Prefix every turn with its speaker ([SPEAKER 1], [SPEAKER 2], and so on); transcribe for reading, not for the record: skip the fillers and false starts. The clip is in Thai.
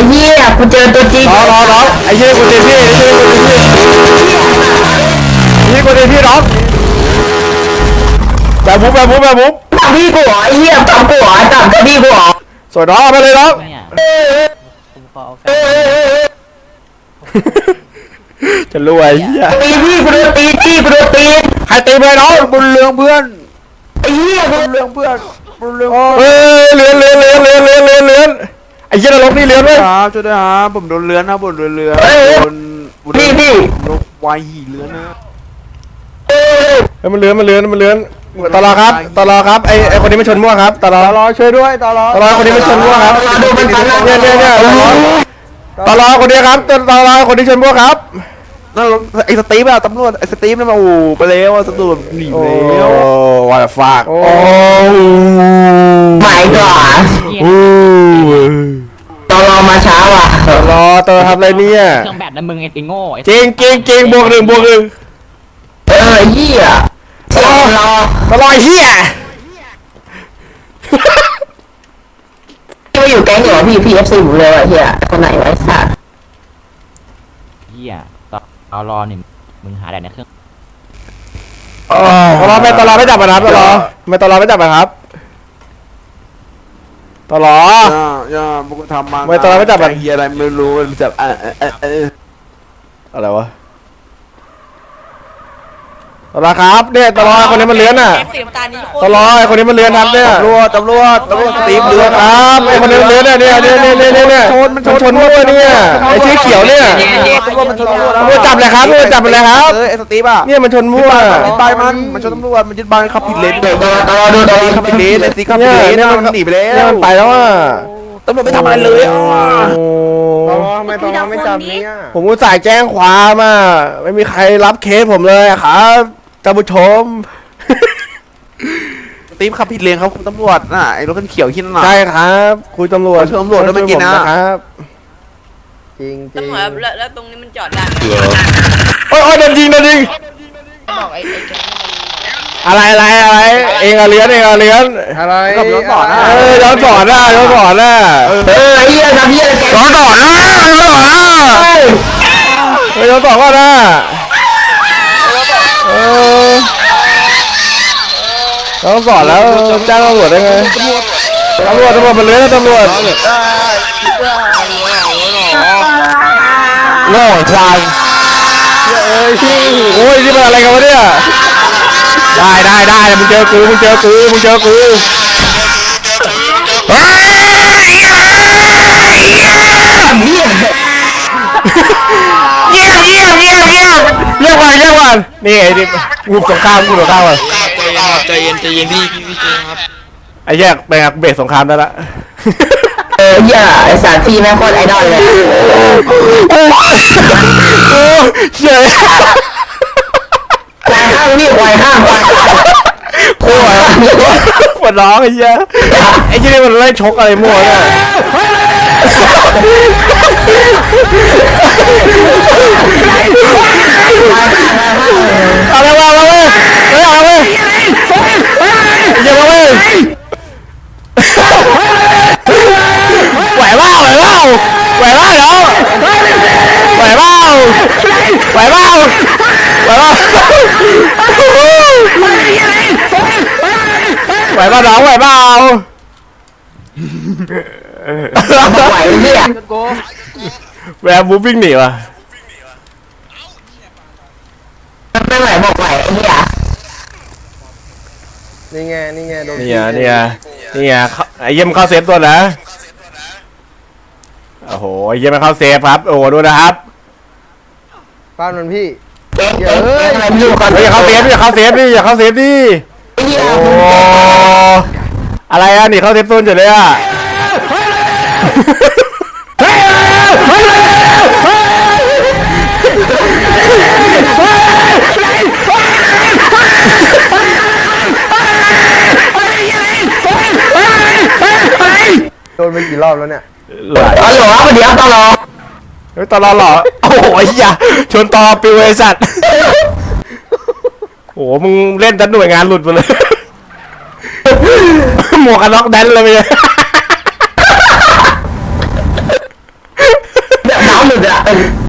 [SPEAKER 1] เหี้ยกูเจอตัวจริง
[SPEAKER 2] น้องไอ้เหี้ยกูเต็มที่นี่กูเต็มที่น้องแบบมุบ
[SPEAKER 1] ทำพี่กูเหรอไอ้เหี้ยทำกูเหรอทำพี่กูเหรอ
[SPEAKER 2] สวยน้องมาเลยน้องจะรวยเหี้ย
[SPEAKER 1] ตีพี่กูโดนตี
[SPEAKER 2] ใครตีไปน้องบุญเรืองเพื่อน
[SPEAKER 1] ไอ้เหี้ย
[SPEAKER 2] บุญเรืองเพื่อนบุญเรืองเลื้อนไอ้เหี้ยนรกนี่เลื้อนเลยครับช่วยด้วยครับผมโดนเลื้อนนะผมโดนเลื้อน
[SPEAKER 1] พี่
[SPEAKER 2] นกวายหีเลื้อนนะมันเลื้อนตลอครับไอ้คนนี้มันชนมั่วครับตลอช่วยด้วยตลอคนนี้มันชนมั่วครับเนี่ยตลอคนนี้ครับตลอคนที่ชนมั่วครับนั่นไอ้สตีฟอะตำรวจไอ้สตีฟนั่นมาโอ้ไปแล้วตำรวจหนีแล้วว่าฝากโอ้
[SPEAKER 1] ไม่ก่อนตลอมาช้าว่ะ
[SPEAKER 2] ตลอทำอะไรเนี่ย
[SPEAKER 3] เครื่องแบบนั้นมึงไอ้โง่
[SPEAKER 2] จริงบวกหนึ่ง
[SPEAKER 1] เหี้ยต
[SPEAKER 2] ลอเหี้ย
[SPEAKER 1] ไม่อยู่แก๊งเหรอพี่ PFC หมดเลยเหี้ยคนไหนไว้สัตว์
[SPEAKER 3] เหี้ยเอารอหนึ่งมึงหาได้ในเครื่อง
[SPEAKER 2] ตลอไม่จับนะครับตลอไม่จับนะครับตลอย่าบุกทำมาไม่ตลอไม่จับเฮียอะไรไม่รู้จับอะไรวะตลอครับเนี่ยตลอคนนี้มันเลื้อนอ่ะตลอไอ้คนนี้มันเลื้อนครับเนี่ยตำรวจตีมเลื้อนครับไอ้คนนี้มันเลื้อนเนี่ยมันชนมั่วเนี่ยไอ้ชื่อเขียวเนี่ยตำรวจจับเลยครับจับไปเลยครับไอ้สตีฟอ่ะเนี่ยมันชนมั่วตายมันชนตำรวจมันยึดบ้านขับผิดเลนตลอดูขับผิดเลนไอ้ตีขับผิดเลนเนี่ยมันหนีไปแล้วมันไปแล้วอ่ะตำรวจไม่ทำอะไรเลยอ่ะทำไมตำรวจไม่จับเนี่ยผมก็จ่ายแจ้งความอ่ะไม่มีใครรับเคสผมเลยครับท่านผู้ชมตีมขับผิดเลนครับคุณตำรวจน่ะไอ้รถคันเขียวขี้นั่นน่ะใช่ครับคุณตำรวจแล้วไม่กินนะครับจริง
[SPEAKER 4] ตำรวจแล้วตรงนี้มันจอดได้
[SPEAKER 2] โอ้ยโดนยิงอะไรเองเลี้ยนอะไรกับย้อนสอนย้อนสอนเฮียทำเฮียย้อนสอนย้อนสอนว่านะต้องสอนแล้วจ้างตำรวจได้ไงตำรวจมันเลื้อนตำรวจโง่ควายโอ้ยนี่มันอะไรกันวะเนี่ยได้มึงเจอกูเฮ้ยเงียบเรียกวันนี่ไอ้ดิกูสงครามว่ะ
[SPEAKER 5] ใจเย็นพี่เจครับ
[SPEAKER 2] ไอ้แยกไปเบสสงครามได้ละ
[SPEAKER 1] เหี้ยไอ้สารพี่แม่งโคตรไอดอลเลย
[SPEAKER 2] เฉย
[SPEAKER 1] ควายห้างนี่ควายห้าง
[SPEAKER 2] โอ้ยปวดร้องไอ้เหี้ยไอ้ที่นี่มันไล่ชกอะไรมั่วเนี่ยอะไรวะเว้ยเอาเว้ยอย่ามาเว้ยไหวเปล่าเหรอไหวเปล่าน้องไหวเปล่า
[SPEAKER 1] เนี่ย
[SPEAKER 2] แวร์บูวิ่งหนีวะ
[SPEAKER 1] ไม่ไหวบอกไหว
[SPEAKER 2] นี่ไงโดนนี่ไงไอ้เยี่ยมเข้าเซฟตัวนะโอ้โหไอ้เยี่ยมมันเข้าเซฟครับโอ้โหดูนะครับ
[SPEAKER 6] ป้ามันพี่
[SPEAKER 2] อย่าเข้าเซฟดิโอ้อะไรอ่ะนี่เข้าเซฟโซนเฉยเลยอ่ะ
[SPEAKER 6] โดนไปกี่รอบแล้วเนี่ย
[SPEAKER 1] อ๋อเหรอเดี๋ยวตลอ
[SPEAKER 2] เหรอโอ้โหไอ้เหี้ยชนต่อปิวไอ้สัตว์โอ้โหมึงเล่นจนหน่วยงานหลุดไปเลยหมวกกันน็อกแดนเลยไปเลย